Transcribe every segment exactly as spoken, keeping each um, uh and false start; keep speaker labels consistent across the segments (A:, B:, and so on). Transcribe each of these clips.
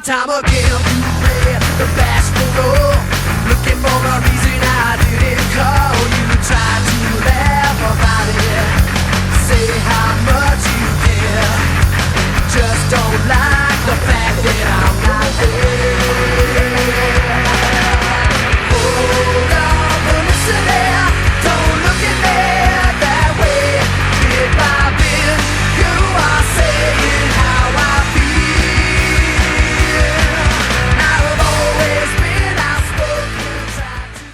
A: time again you play the bashful role, looking for a reason I didn't call. You try to laugh about it, say how much you care, just don't like the fact that I'm not there. Hold on, but listen there, don't look at me that way. Bit by bit, you are saying how I feel. I've always been outspoken, tried to.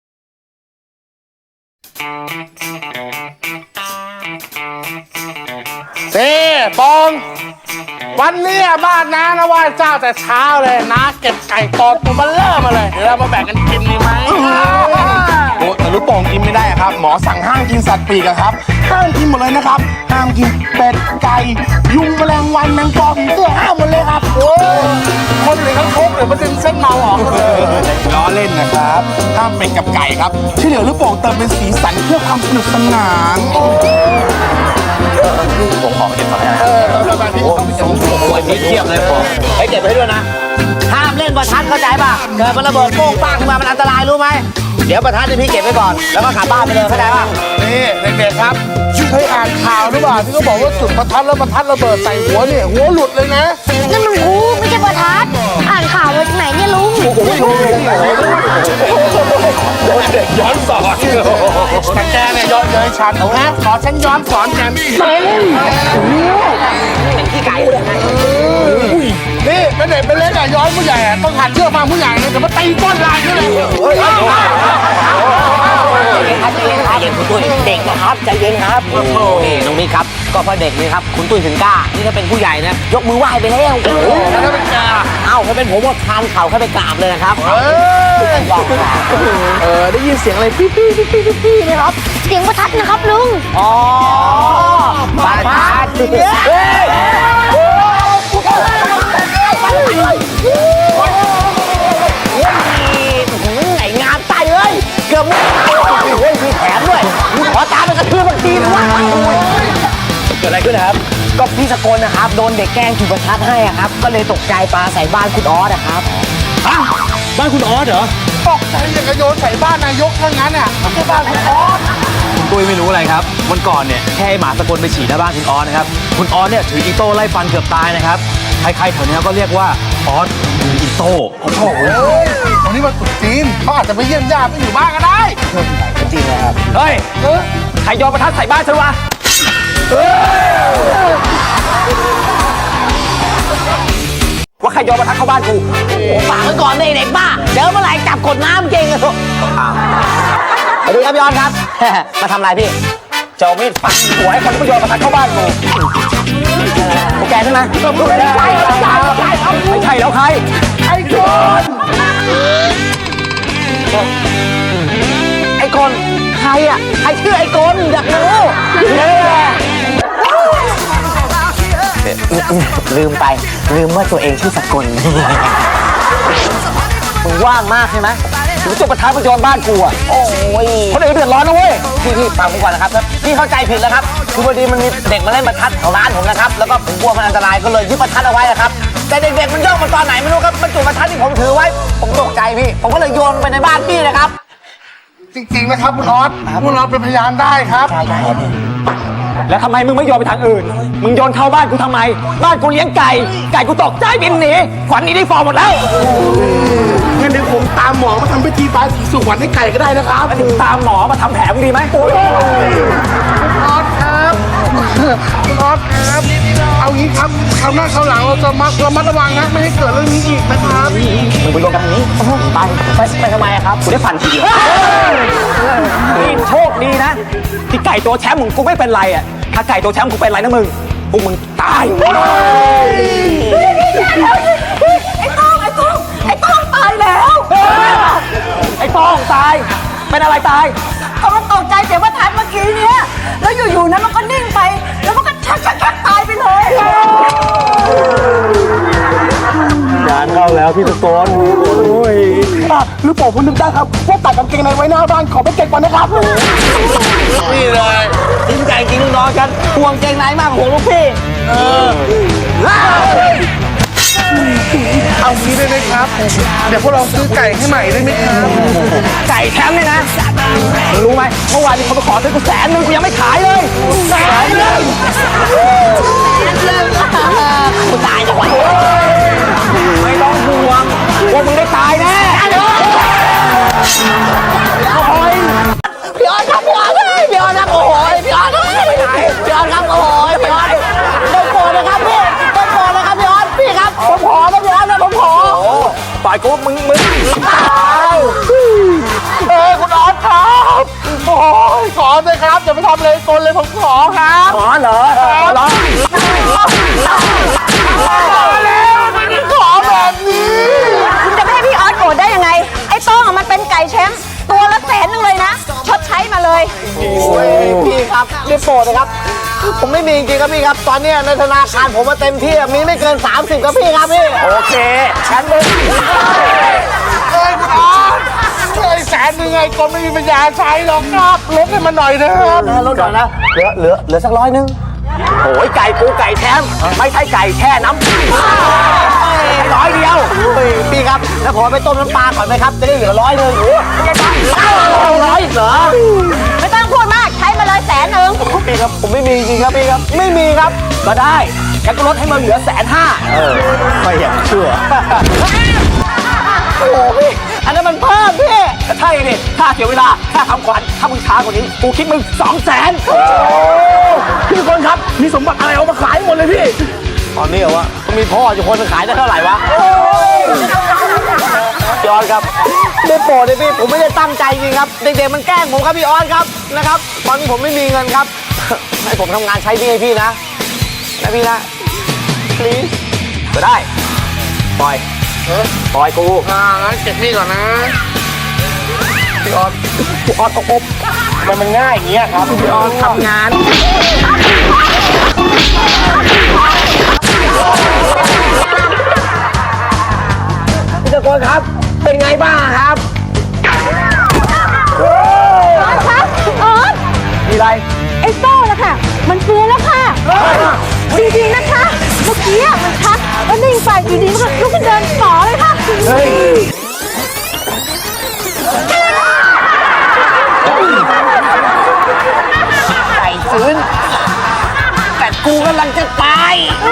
B: เซ่ปองวันนี้บ้านน้านะไหว้เจ้าแต่เช้าเลยน้าเก็บไก่ตอนตัวมันเริ่มมาเลยเดี๋ยวเรามาแบ่งกันกินดีไหม
C: โอ้แต่ลูกโป่งกินไม่ได้อะครับหมอสั่งห้ามกินสัตว์ปีกอะครับห้ามกินหมดเลยนะครับห้ามกินเป็ดไก่ยุงแมลงวันแมงปอผีเสื้อห้ามหมดเลยครับโอ้
B: คนหรือเขาชกหรือมันดึงเส้นเมาออกเลย
C: ล้อเล่นนะครับห้ามเป็ดกับไก่ครับที่เหลือลูกโป่งเติมเป็นสีสันเพื่อความสนุกสนาน
D: ผมขอเก็บมาให้นะโอ้โหเทียบเลยผมให้เก็บไว้ด้วยนะห้ามเล่นประทัดเข้าใจป่ะเกิดมันระเบิดโป้งป้างขึ้นมามันอันตรายรู้ไหมเดี๋ยวประทัดนี่พี่เก็บไว้ก่อนแล้วก็กลับบ้านไปเลยเข้าใจป่ะ
B: นี่เด็กๆครับเคยอ่านข่าวหรือเปล่าที่เขาบอกว่าจุดประทัดแล้วประทัดระเบิดใส่หัวเนี่ยหัวหลุดเลยนะ
E: นั่นมันหูไม่ใช่ประทัดอ่านข่าวมาจากไหนเนี่ยลุง
B: เด็กย้อนสอนแต่แกเนี่ยย้อนเลยฉันเอาฮะขอฉันย้อนสอนแกเฮ้ย
D: เป็นขี้ไก่เลยไง
B: นี่เป็นเด็กเป็นเล็กอะย้อนผู้ใหญ่อะต้องหัดเชื่อฟังผู้ใหญ่เลยแต่มาตีก้นลายนี่เลย
D: ครับใจเย็นครับคุณตุ้ยเด็กนะครับใจเย็นครับนี่น้องมิกครับก็เพราะเด็กนี่ครับคุณตุ้ยถึงกล้านี่ถ้าเป็นผู้ใหญ่นะยกมือไหว้ไปแล้ว
B: แล้วถ้าเป็นแก
D: เอ้าถ้าเป็นผมว่าทานเข่าแค่ไปกราบเลยนะครับ
B: เออ
D: บอก
B: เออได้ยินเสียงอะไรปี้ปี้ปี้ปี้ปี้ไหมครับ
E: เสียงประทัดนะครับลุง
D: อ๋อประทัดเฮ้ยไอ้งานไตเลยเกือบไม่เฮ้ยมีแถมด้วยขอตามไปกระทืบบางทีนะวะเกิดอะไรขึ้นนะครับก็พี่สกลนะครับโดนเด็กแกล้งจุดประทัดให้ครับก็เลยตกใจปาใส่บ้านคุณออสนะครับบ้านคุณออสเหรอ
B: ตกใจอย่างกระโยนใส่บ้านนายกทั้งนั้นอ่ะไม่ใช่บ้านคุณออส
F: ตุ้ยไม่รู้อะไรครับวันก่อนเนี่ยแค่ให้หมาสกลไปฉี่หน้าบ้านคุณออสนะครับคุณออสเนี่ยถืออีโต้ไล่ฟันเกือบตายนะครับใครๆแถวนี้ก็เรียกว่าออสมืออีโต้
B: โอ้โหวันนี้มาตรุษจีนเขาอาจจะไปเยี่ยมญาติไม่อยู่บ้านก็ได้
D: จริงนะครับ
F: เฮ้ยใครโยนประทัดใส่บ้านฉันวะว่าใครโยนประทัดเข้าบ้านกู
D: ฝากไว้ก่อนเลยเด็กบ้าเดี๋ยวเมื่อไหร่จับกดน้ำเก่งอะทุกสวัสดีครับพี่ออสครับ มาทำอะไรพี่เจ้ามีดฟันหัวให้คนที่โยนประทัดเข้าบ้านกูโอเคใช่ไหมไม่ใช่ไม่ใช่ไม่ใช่แล้วใครไอ้คนไอ้คนใครอะใครชื่อไอ้คนอยากรู้ลืมไปลืมว่าตัวเองชื่อสกลมึงว่างมากใช่ไหมถึงจุดประทัดมาโยนบ้านกูอ่ะโอ้ยคนอื่นเดือดร้อนนะเว้ยพี่พี่ฟังผมก่อนนะครับพี่เข้าใจผิดแล้วครับคือพอดีมันมีเด็กมาเล่นประทัดแถวร้านผมนะครับแล้วก็ผมกลัวมันอันตรายก็เลยยึดประทัดเอาไว้นะครับแต่เด็กๆมันโยกมาตอนไหนไม่รู้ครับมันจุดประทัดที่ผมถือไว้ผมตกใจพี่ผมก็เลยโยนไปในบ้านพี่นะครับ
B: จริงๆนะครับคุณออสคุณออสเป็นพยานได้ครับ
F: แล้วทำไมมึงไม่โยนไปทางอื่นมึงโยนเข้าบ้านกูทำไมบ้านกูเลี้ยงไก่ไก่กูตกใจบินหนีขวัญหนีได้ฟอร์หมดแล้ว
B: งั้นเดี๋ยวผมตามหมอมาทำพิธีบายสีสุวรรณให้ไก่ก็ได้นะครับ
F: ถึงตามหมอมาทำแผลมึงดีไหม
B: คุณออสครับคุณออสครับเอางี้ครับคราวหน้าคราวหลังเราจะมัดระมัดระวังนะไม่ให้เกิดเรื่องนี้อีกนะครับ
F: มึงไปลงกันทางนี้ไปไปไปทำไมครับกูได้ฟันทีเดียวนี่โชคดีนะที่ไก่ตัวแชมป์ของกูไม่เป็นไรอ่ะถ้าไก่ตัวแชมป์กูเป็นไรนะมึงพวกมึงตาย
E: ไอ้ต้องไอ้ต้องไอ้ต้องตายแล้ว
F: ไอ้ต้องตายเป็นอะไรตาย
E: เขาตกใจเสียงประทัดเมื่อกี้เนี้ยแล้วอยู่ๆนั้นมันก็นิ่งไปแล้วมันก็ชักชักชักตายไปเลย
F: งานเข้าแล้วพี่ตะโกนโอ้ย
B: อ่ะหรือผมคุณนึกได้ครับว่าตัดกางเกงในไว้หน้าบ้านขอไปเก็บก่อนนะครับ
D: นี่เลยจริงใจจริงน้องกันห่วงเกงในมากห่วงลูกพี่
B: เอาเดี๋ยวพวกเราซื้อไก่ให้ใหม่ได้ไหมครับ
F: ไก่แชมป์เนี่ยนะมึงรู้ไหมเมื่อวานมีคนมาขอซื้อกูแสนหนึ่งกูยังไม่ขายเลยแสนหนึ่งกูตายดีกว่าไม่ต้องห่วงพวกมึงได้ตายแน่โอ้ยพี่ออสครับพี่ออสพี่ออสครับโอ้โหพี่ออสพี่ออสครับโอ้โหพี่ออสต้องโกรธนะครับพี่ต้องโกรธนะครับพี่ออสพี่ครับผมขอนะพี่ออสนะผมขอฝ่ายกูมึงมึงเออคุณออสครับโอ้ยขอเลยครับอย่าไปทำเลยกลเลยผมขอครับขอเหรอขอเหรอแล้วมันขอแบบนี้
E: คุณจะไม่ให้พี่ออสโกรธได้ยังไง ไอ้โต้งอะมันเป็นไก่แชมป์ตัวละแสนหนึงเลยนะ ชดใช้มาเลย
D: โอ้ยพี่ครับรีบโปรดนะครับ ผมไม่มีจริงๆครับพี่ครับ ตอนเนี้ยในธนาคารผมมาเต็มที่อะมีไม่เกินสามสิบครับพี่ครับพี่โอเคฉันมึง
B: เอ้ยคุณออสเอ้ยแสนหนึ่งไงก็ไม่มีปัญญาใช้หรอกครับลดให้มันหน่อยนะครับ
D: นะลดก่อนนะเหลือเหลือเหลือสักร้อยนึงโอ้ยไก่ปูไก่แชมป์ไม่ใช่ไก่แช่น้ำร้อยเดียวพี่ครับแล้วผมไปต้มน้ำปลาก่อนไหมครับจะได้เหลือร้อยนึงร้อยอีกเหรอ
E: ไม่ต้องพูดมาก ใช้มาเลยแสนหนึ่ง
D: พี่ครับผมไม่มีจริงครับพี่ครับไม่มีครับก็ได้งั้นก็ลดให้มันเหลือแสนห้าเออไม่อยากเชื่อโอ้พี่อันนั้นมันเพิ่มพี่ใช่ดิค่าเสียเวลาค่าทำขวัญถ้ามึงช้ากว่านี้กูคิดมึงสองแสนพี่คนครับมีสมบัติอะไรเอามาขายหมดเลยพี่ตอนนี้เหรอวะมีพ่ออยู่คนขายได้เท่าไหร่วะพี่ออสครับได้โปรดเลยพี่ผมไม่ได้ตั้งใจจริงครับเด็กๆมันแกล้งผมครับพี่ออสครับนะครับตอนนี้ผมไม่มีเงินครับให้ผมทำงานใช้หนี้ให้พี่นะนะพี่นะ please ก็ได้ปล่อยปล่อยกู
B: อ่างั้นเก็บนี่ก่อนนะ
D: พี่ออสพี่ออสตกอบมันมันง่ายอย่างเงี้ยครับพี่ออสทำงานพี่ตะโกนครับเป็นไงบ้างครับ
E: ออสครับออส
D: มีอะไร
E: ไอ้โต้ละค่ะ มันฟื้นแล้วค่ะดีๆนะคะ เมื่อกี้อะมันชักแล้วนิ่งไปอยู่ดีมันก็ลุกขึ้นเดินต่อเลยค่ะ
D: เฮ้ยไก่ฟื้นแต่กูกำลังจะตาย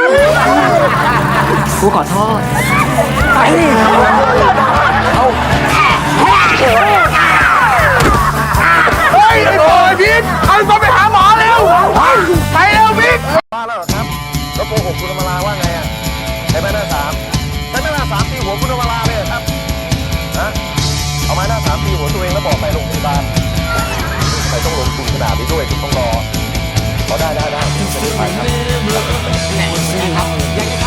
D: กูขอโทษไปเอา
B: เฮ้ยไอ้โอ้ยพีทเอาตัวไปหาหมอเร็วไปเร็วพีท
C: บ้าแล้วเหรอครับแล้วโกหกคุณอมราว่าไงอ่ะใช้ไม้หน้าสามใช้ไม้หน้าสามตีหัวคุณอมราเลยเหรอครับฮะเอาไม้หน้าสามตีหัวตัวเองแล้วบอกไปโรงพยาบาลไปต้องลงทุนขนาดนี้ด้วยคุณต้องรอขอได้ได้ได้เดี๋ยวจะไปครับ